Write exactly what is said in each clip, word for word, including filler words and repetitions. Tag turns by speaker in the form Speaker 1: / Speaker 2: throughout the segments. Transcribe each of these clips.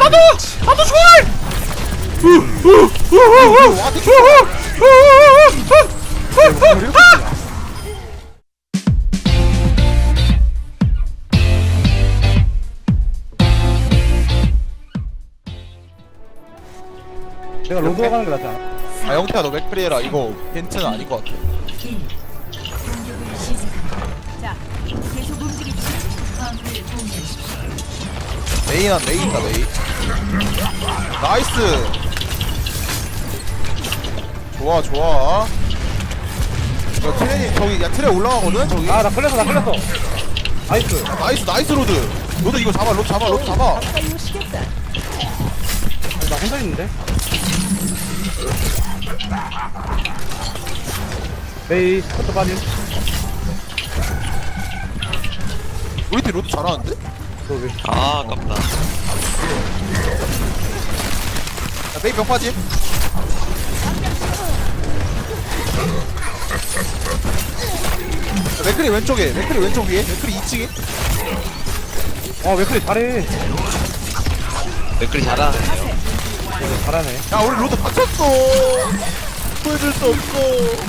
Speaker 1: 나도 나도 좋아.
Speaker 2: 내가 로드가 가는 게 낫지 않아?
Speaker 1: 아 영태야 너 맥프리 해라. 이거 벤트는 아닌 것 같아.
Speaker 3: 자, 계속 움직이지.
Speaker 1: 메인한 메인이다 메인. 나이스. 좋아 좋아. 야 트레이 저기 야 트레 올라가거든 저기.
Speaker 2: 아 나 걸렸어 나 걸렸어. 나이스.
Speaker 1: 나이스 나이스 로드. 로드 이거 잡아 로드 잡아 로드 잡아.
Speaker 3: 가까이 오시겠다.
Speaker 2: 아니, 나 혼자 있는데. 메이 스쿼트 빠짐.
Speaker 1: 우리 팀 로드 잘하는데?
Speaker 2: 너 왜?
Speaker 4: 아 아깝다.
Speaker 1: 야 메인 벽 빠짐. 야, 맥크리 왼쪽에 맥크리 왼쪽 위에 맥크리 이 층에.
Speaker 2: 아 웨클리 잘해.
Speaker 4: 맥클이 잘하네요.
Speaker 2: 네, 잘하네.
Speaker 1: 야 우리 로드 다쳤어. 보여줄 수 없어.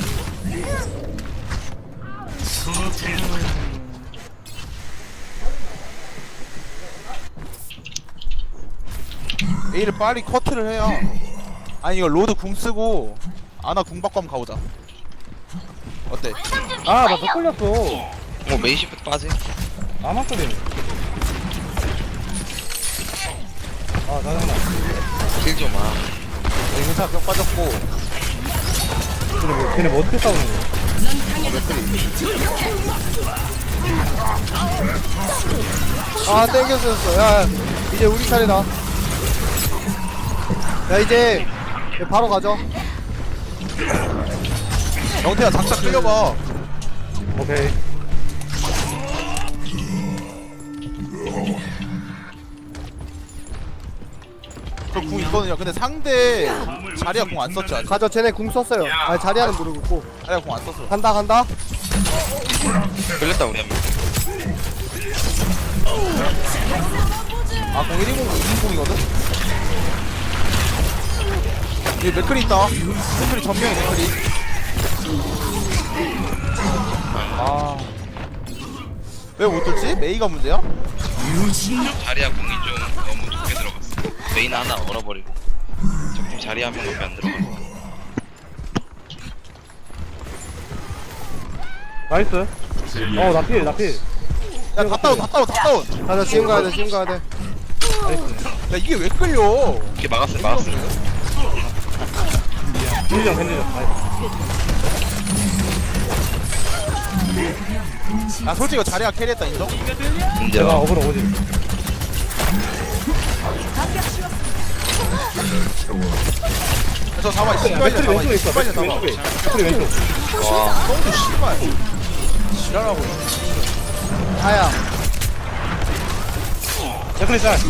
Speaker 1: A를 빨리 커트를 해야. 아니 이거 로드 궁 쓰고 아나 궁 받고 한번 가보자. 어때?
Speaker 2: 아나 더 걸렸어.
Speaker 4: 뭐 메이시프트 빠지?
Speaker 2: 나만 걸리네. 아 짜증나.
Speaker 4: 킬 좀 아.
Speaker 1: 여기 괜찮아 벽 빠졌고.
Speaker 2: 쟤네 뭐, 쟤네 뭐 어떻게 싸우는 거야?
Speaker 1: 어 맥크리.
Speaker 5: 아 땡겼었어. 야 이제 우리 차례다. 야 이제 바로 가죠.
Speaker 1: 영태야 장착 끌려봐.
Speaker 2: 오케이.
Speaker 1: 저 궁 있거든요. 근데 상대 자리야 궁 안 썼지 아직.
Speaker 5: 가죠. 쟤네 궁 썼어요. 아 자리하는 모르겠고.
Speaker 1: 자리야 궁 안 썼어.
Speaker 5: 간다 간다.
Speaker 4: 걸렸다 우리 한 명.
Speaker 1: 아궁 일 인공 이 인공이거든. 여기 맥크리 있다. 맥크리 전명이 맥크리. 아. 왜 못 뚫지? 메이가 문제야?
Speaker 4: 자리야 공이 좀 너무 좋게 들어갔어. 메인 하나 얼어버리고. 적팀 자리 한 명밖에 안 들어갔어.
Speaker 2: 나이스. 어나 필, 나 필.
Speaker 1: 야, 다 다운, 다 다운, 다 다운.
Speaker 5: 가자. 지금 가야 돼. 지금 가야 돼.
Speaker 2: 나이스.
Speaker 1: 야, 이게 왜 끌려?
Speaker 4: 이렇게 막았어요 막았어요.
Speaker 2: 겐지장 겐지장. 나이스.
Speaker 1: 아, 솔직히 이거 자리가 캐리했다, 인정?
Speaker 2: 내가
Speaker 4: 인정.
Speaker 2: 어그로 오지.
Speaker 1: 야, 저 잡아, 씨발이야,
Speaker 2: 맥클이
Speaker 1: 잡아.
Speaker 2: 왼쪽에 있어.
Speaker 1: 씨발이야,
Speaker 2: 맥클이
Speaker 1: 잡아.
Speaker 2: 왼쪽에. 맥클이 왼쪽.
Speaker 4: 와.
Speaker 1: 똥도 씨발. 지랄하고.
Speaker 5: 아야.
Speaker 2: 맥클이 짤.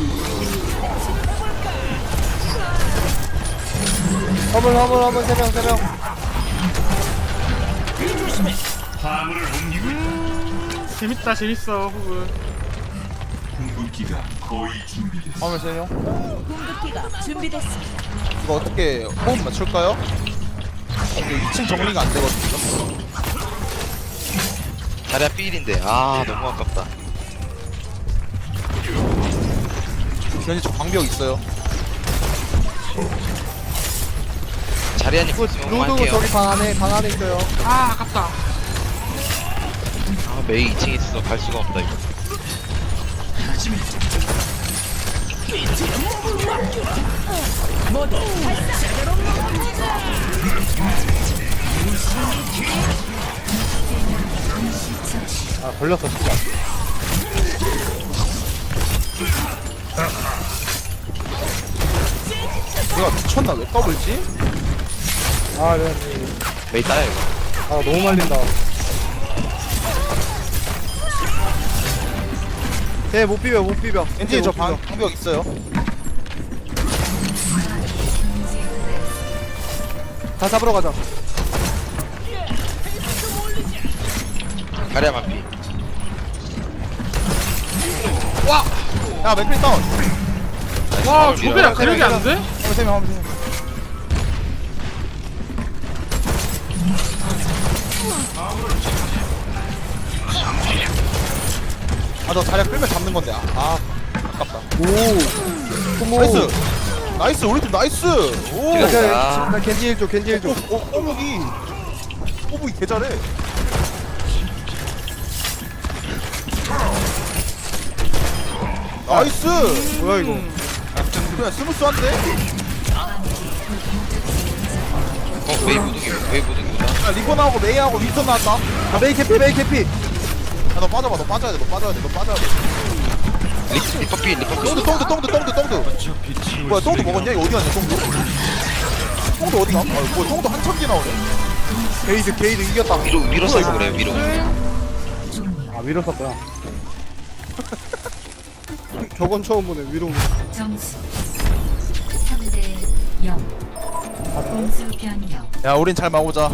Speaker 5: 허물 허물 허물 세 명 세 명.
Speaker 6: 재밌다 재밌어 호그.
Speaker 1: 화면 세요.
Speaker 3: 공격기가 준비됐습니다.
Speaker 1: 이거 어떻게 호흡 맞출까요? 이게 이 층 정리가 안 되거든요.
Speaker 4: 자리야 필인데 아 너무 아깝다.
Speaker 1: 현재 저 방벽 있어요.
Speaker 4: 자리야님
Speaker 5: 그
Speaker 4: 있으면
Speaker 5: 로드
Speaker 4: 할게요.
Speaker 5: 저기 방 안에 방 안에 있어요.
Speaker 6: 아 아깝다.
Speaker 4: 아 메이 이 층에 있어 갈 수가 없다 이거.
Speaker 2: 아 걸렸어 진짜.
Speaker 1: 내가 미쳤나? 왜 까불지?
Speaker 2: 아 네.
Speaker 4: 메이 따야 이거.
Speaker 2: 아 너무 말린다.
Speaker 5: 쟤못 비벼 못 비벼.
Speaker 1: 엔진이 저
Speaker 5: 못
Speaker 1: 방,
Speaker 5: 비벼.
Speaker 1: 방벽 있어요.
Speaker 5: 다 잡으러 가자.
Speaker 4: 자리야만 피.
Speaker 1: 야, 맥크리 다운.
Speaker 6: 와 조배랑 그력이 안 돼?
Speaker 1: 한번 세명 한번 세명 아너 자리야 끌면 잡는 건데 아, 아 아깝다
Speaker 5: 오.
Speaker 1: 나이스 나이스 우리 팀 나이스 오
Speaker 4: 제가-
Speaker 5: 나,
Speaker 4: 아.
Speaker 5: 나 겐지 일줘 겐지 일줘.
Speaker 1: 어, 어, 꼬북이 꼬북이 개 잘해 나이스
Speaker 5: 뭐야 이거?
Speaker 1: 그냥 스무스한데?
Speaker 4: 어 웨이 무득이 웨이 무득이다.
Speaker 1: 야 리퍼나하고 메이하고 윈선 나왔다
Speaker 5: 아 메이 캐피 메이 캐피.
Speaker 1: 야너 빠져봐 너 빠져야 돼너 빠져야 돼너 빠져야 돼
Speaker 4: 리 리퍼피 리퍼피.
Speaker 1: 똥드 똥드 똥드 똥드 똥드 뭐야 똥드 먹었냐? 이거 어디 갔냐 똥드? 똥드 어디가? 아 뭐야 똥드 한천 개 나오네
Speaker 5: 게이드 게이드 이겼다.
Speaker 4: 위로 위로 써서 그래요 위로.
Speaker 2: 아 위로 썼구나.
Speaker 5: 저건 처음 보네 위로.
Speaker 7: 점수 삼 대 영. 공수 변경.
Speaker 1: 야 우린 잘 막오자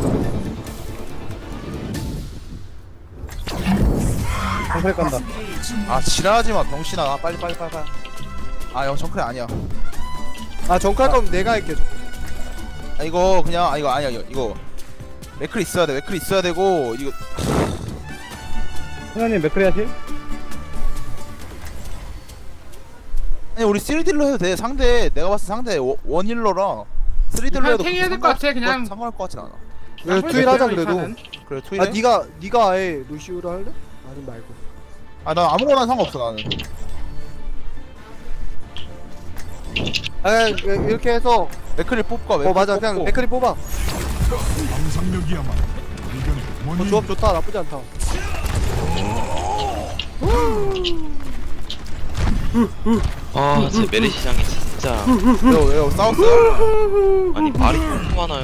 Speaker 2: 정크레 간다.
Speaker 1: 아 지랄하지마 병신아 아, 빨리 빨리 빨리 빨리 아형 정크레 아니야
Speaker 5: 아 정칼 거면 내가 할게.
Speaker 1: 아 이거 그냥 아 이거 아니야 이거, 이거 맥클 있어야 돼 맥클 있어야 되고 이거
Speaker 2: 승현님 맥크리 하실?
Speaker 1: 아니 우리 쓰리딜로 해도 돼 상대 내가 봤을 때 상대 워- 원힐러랑 쓰리딜로
Speaker 6: 그냥
Speaker 1: 해도
Speaker 6: 탱 해야 될것 같아, 그냥.
Speaker 1: 상관할 것 같진 않아
Speaker 5: 왜 투일 하자 그래도.
Speaker 1: 그래 투일
Speaker 5: 아 니가 니가 아예 루시우를 할래? 아니 말고.
Speaker 1: 아난 아무거나 상관없어 나는
Speaker 5: 아 그냥 이렇게 해서
Speaker 1: 맥클을 뽑고
Speaker 5: 어 맞아 그냥 맥크리 뽑아.
Speaker 8: 상상력이야말로 의견의
Speaker 5: 어,
Speaker 8: 원인.
Speaker 5: 조합 좋다 나쁘지 않다.
Speaker 4: 아제 메리 시장이 진짜.
Speaker 1: 왜요 왜요 싸웠어요?
Speaker 4: 아니 말이 너무 많아요.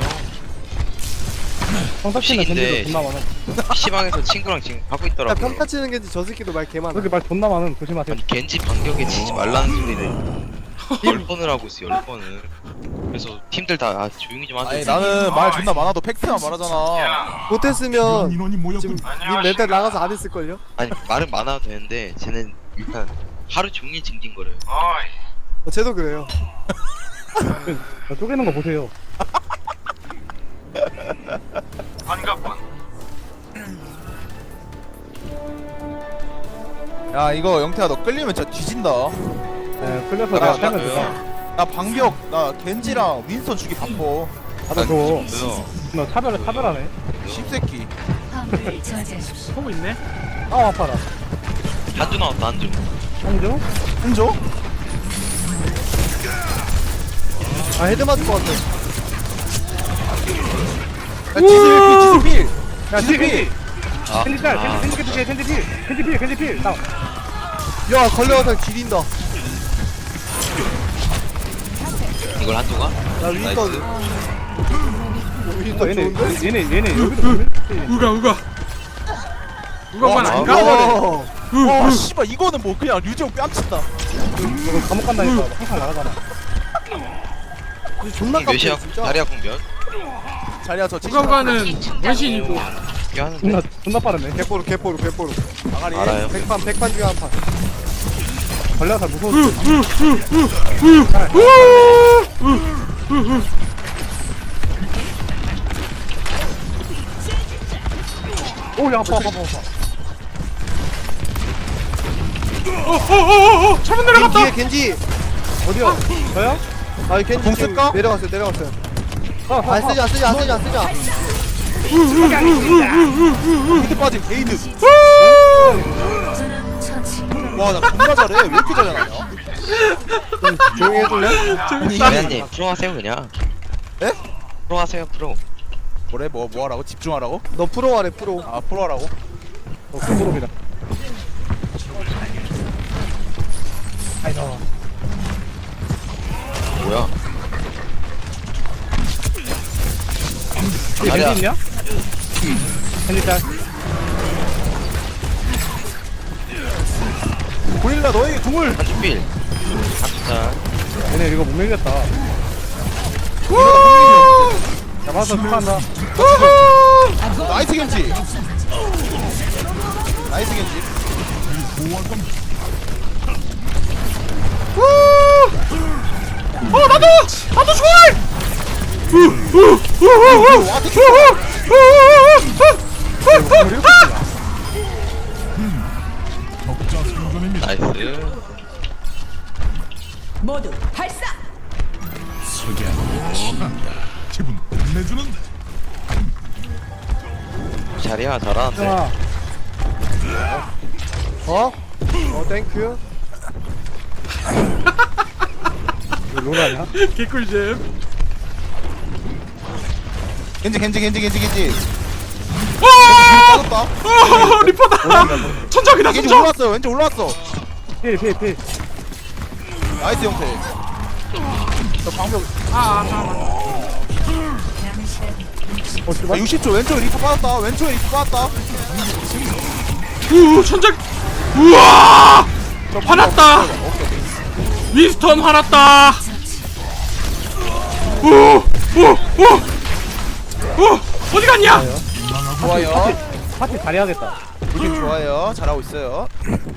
Speaker 2: 성탁씨는
Speaker 4: 식인데.
Speaker 2: 겐지도 존나 많아.
Speaker 4: 피시방에서 친구랑 지금 하고
Speaker 5: 야
Speaker 4: 있더라고요.
Speaker 5: 평타 치는 겐지 저 새끼도 말 개 많아.
Speaker 2: 그렇게 말 존나 많음. 조심하세요.
Speaker 4: 아니 겐지 반격에 치지 말라는 소리를 열 번을 하고 있어 열 번을. 그래서 팀들 다 아, 조용히 좀 하세요.
Speaker 1: 아니 나는 말 존나 많아도 팩트만 말하잖아
Speaker 5: 못했으면
Speaker 8: 인원이 모였군.
Speaker 5: 지금 니 멘탈 나가서 안 했을걸요?
Speaker 4: 아니 말은 많아도 되는데 쟤는 일단 하루 종일 징징거려요.
Speaker 5: 어, 쟤도 그래요.
Speaker 2: 저 쪼개는 거 보세요.
Speaker 1: 야 이거 영태야 너 끌리면 진짜 뒤진다
Speaker 2: 네, 끌려서
Speaker 1: 아,
Speaker 2: 내가
Speaker 1: 나-
Speaker 2: 살면 되죠.
Speaker 1: 나 방벽 나 겐지랑 윈스턴 주기 바빠
Speaker 2: 나도 줘.
Speaker 4: 그래서
Speaker 2: 너 차별 차별하네.
Speaker 1: 씹새끼
Speaker 7: 화물을 저지하십시오.
Speaker 6: 보고 있네.
Speaker 2: 아 아파라.
Speaker 4: 한주 나왔다 한주.
Speaker 2: 한조?
Speaker 1: 흔줘?
Speaker 5: 아 헤드 맞을 것 같아.
Speaker 1: 야 지슬필
Speaker 2: 야
Speaker 1: 지슬필
Speaker 2: 겐지.
Speaker 4: 아,
Speaker 2: 겐지 짤.
Speaker 4: 아,
Speaker 2: 겐지 겐지 겐지 겐지 필. 겐지 필. 겐지 필. 나.
Speaker 5: 야 걸려서 지린다.
Speaker 4: 이걸 한주가?
Speaker 5: 야 윈스턴.
Speaker 4: 나이스.
Speaker 5: 어,
Speaker 2: 어,
Speaker 5: 윈스턴
Speaker 2: 얘네
Speaker 5: 좋은데?
Speaker 2: 얘네 얘네 여기도 보면
Speaker 6: 우가 우가. 우가만
Speaker 1: 와,
Speaker 6: 아닌가?
Speaker 1: 와.
Speaker 5: 어.
Speaker 1: 와 씨발 이거는 뭐 그냥 류지용 뺨친다
Speaker 2: 저거 감옥 간다니까 항상 나가잖아.
Speaker 5: 존나 깜짝
Speaker 4: 몇이야?
Speaker 5: 진짜.
Speaker 4: 다리야 공변?
Speaker 1: 자리야 저
Speaker 6: 우가 우가는 원신이고.
Speaker 4: 이게 하는데
Speaker 2: 존나 존나 빠르네.
Speaker 5: 개뽀로 개뽀로 개뽀로.
Speaker 1: 아가리
Speaker 4: 알아요.
Speaker 5: 백판 백판 중에 한 판.
Speaker 2: 걸려서 무서워. 오야 아파 아파 아파.
Speaker 6: 어어어어 차면 내려갔다.
Speaker 5: 뒤에 겐지. 어디야?
Speaker 2: 저요?
Speaker 5: 아 겐지
Speaker 1: 공
Speaker 5: 지금
Speaker 1: 쓸까?
Speaker 5: 내려갔어요 내려갔어요.
Speaker 2: 아, 아,
Speaker 5: 안 쓰지 안 쓰지 안 쓰지 안 쓰지.
Speaker 1: 히트 빠진 게이드
Speaker 7: 저는 처치.
Speaker 1: 와나 존나 잘해 왜 이렇게 잘하냐
Speaker 5: 조용히 해줄래?
Speaker 4: 대한님 프로 하세요 그냥.
Speaker 1: 에?
Speaker 4: 프로 하세요 프로.
Speaker 1: 뭐래 뭐 뭐하라고 집중하라고?
Speaker 5: 너 프로 하래 프로.
Speaker 1: 아 프로하라고?
Speaker 2: 어, 그거입니다. 아이고.
Speaker 4: 뭐야?
Speaker 2: 이
Speaker 4: 아니야.
Speaker 2: 겐지 있냐? 겐지 짤.
Speaker 1: 고릴라 너에게 궁을
Speaker 4: 한주 필. 한주 짤.
Speaker 2: 얘네 이거 못 밀겠다. 잡아서 축하한다.
Speaker 1: 나이스 겐지 나이스 겐지
Speaker 6: 나도 나도 좋아해. 우우우우우우
Speaker 1: 와, 되게
Speaker 4: 나이스.
Speaker 3: 모두 발사.
Speaker 4: 자리야 잘하는데.
Speaker 2: 아,
Speaker 5: 어? 어 땡큐.
Speaker 2: 이거 롤 아니야?
Speaker 6: 개꿀잼.
Speaker 1: 겐지 겐지 겐지 겐지 겐지.
Speaker 6: 와!
Speaker 1: 빠졌다.
Speaker 6: 어, 리퍼다. 천적이다
Speaker 1: 겐지
Speaker 6: 천적.
Speaker 1: 올라왔어. 왼쪽 올라왔어.
Speaker 2: 필, 필, 필.
Speaker 1: 나이스 형태. 저 방벽.
Speaker 6: 아, 아,
Speaker 7: 남은 시간
Speaker 2: 어,
Speaker 1: 아,
Speaker 2: 씨발.
Speaker 1: 육십 초 왼쪽에 리프 빠졌다. 왼쪽에 리프 빠졌다.
Speaker 6: 아. 우 천적. 우와! 화났다.
Speaker 1: 오케이 오케이.
Speaker 6: 윈스턴 화났다. 오, 오, 오, 오, 어디 갔냐?
Speaker 1: 좋아요.
Speaker 2: 파티 잘해야겠다.
Speaker 1: 느낌 좋아요. 잘하고 있어요.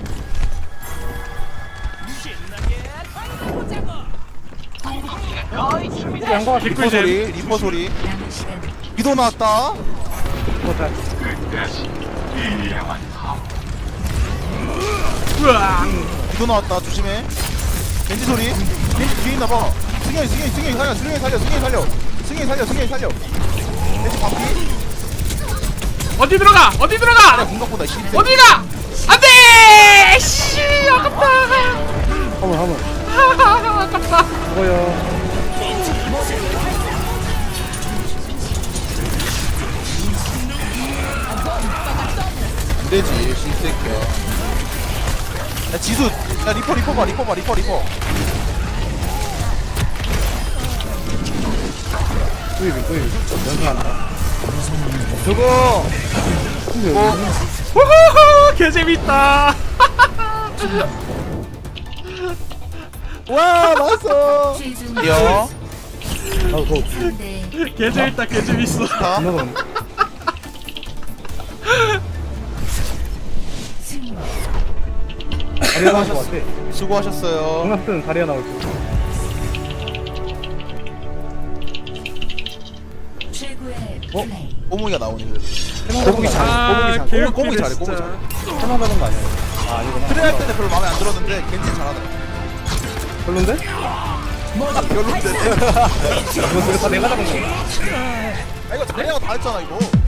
Speaker 2: 우리 양보가
Speaker 1: 리퍼
Speaker 6: 개꿀잼.
Speaker 1: 소리. 리퍼 소리.
Speaker 7: 남은 시간
Speaker 1: 비도 나왔다.
Speaker 2: 잘.
Speaker 6: 우와.
Speaker 1: 비도 나왔다. 조심해. 겐지 소리. 겐지 뒤에 있나봐. 승현이 승현이 승현이 살려. 승현이 살려. 승현이 살려. 승현이 살려. 승현이 살려. 겐지 반피.
Speaker 6: 어디 들어가? 어디 들어가?
Speaker 1: 공각보다 씨.
Speaker 6: 어디가? 안돼! 씨, 아깝다.
Speaker 2: 화물, 화물.
Speaker 6: 하하하, 아깝다.
Speaker 2: 먹어요.
Speaker 1: 안 되지. 씨새끼야. 야 지수. 야 리퍼 리퍼 봐. 리퍼 봐. 리퍼 리퍼.
Speaker 2: 또이비, 또이비. 연습한다.
Speaker 1: 저거.
Speaker 2: 근데
Speaker 1: 뭐.
Speaker 2: 여기
Speaker 6: 우후후, 개 재밌다.
Speaker 1: 와 맞았어.
Speaker 7: 최종
Speaker 1: 야.
Speaker 2: 나도 그거
Speaker 7: 삼 대
Speaker 6: 개 재밌다, 개 재밌어.
Speaker 1: 다.
Speaker 2: 겁나 더네.
Speaker 7: 승리.
Speaker 2: 다리가 나올 것 같아.
Speaker 1: 수고하셨어요.
Speaker 2: 정답은 다리가 나올 것 같아.
Speaker 7: 최고의
Speaker 1: 어?
Speaker 7: 플레이.
Speaker 1: 꼬뭉이가 나오네.
Speaker 2: 해먹는
Speaker 1: 꼬뭉이
Speaker 2: 거
Speaker 1: 잘해.
Speaker 6: 아,
Speaker 1: 꼬뭉이 잘해. 꼬뭉이
Speaker 6: 개웃기네,
Speaker 1: 잘해. 꼬뭉이
Speaker 6: 진짜.
Speaker 1: 잘해.
Speaker 2: 해먹는 거 아니야? 아, 아니구나.
Speaker 1: 트레 할 때는 별로 마음에 안 들었는데 겐지 잘하더라.
Speaker 2: 별론데?
Speaker 1: 아, 별론데.
Speaker 2: 이거 되게 다 내가 잡은 거.
Speaker 1: 아 이거 자리하고 다 했잖아 이거.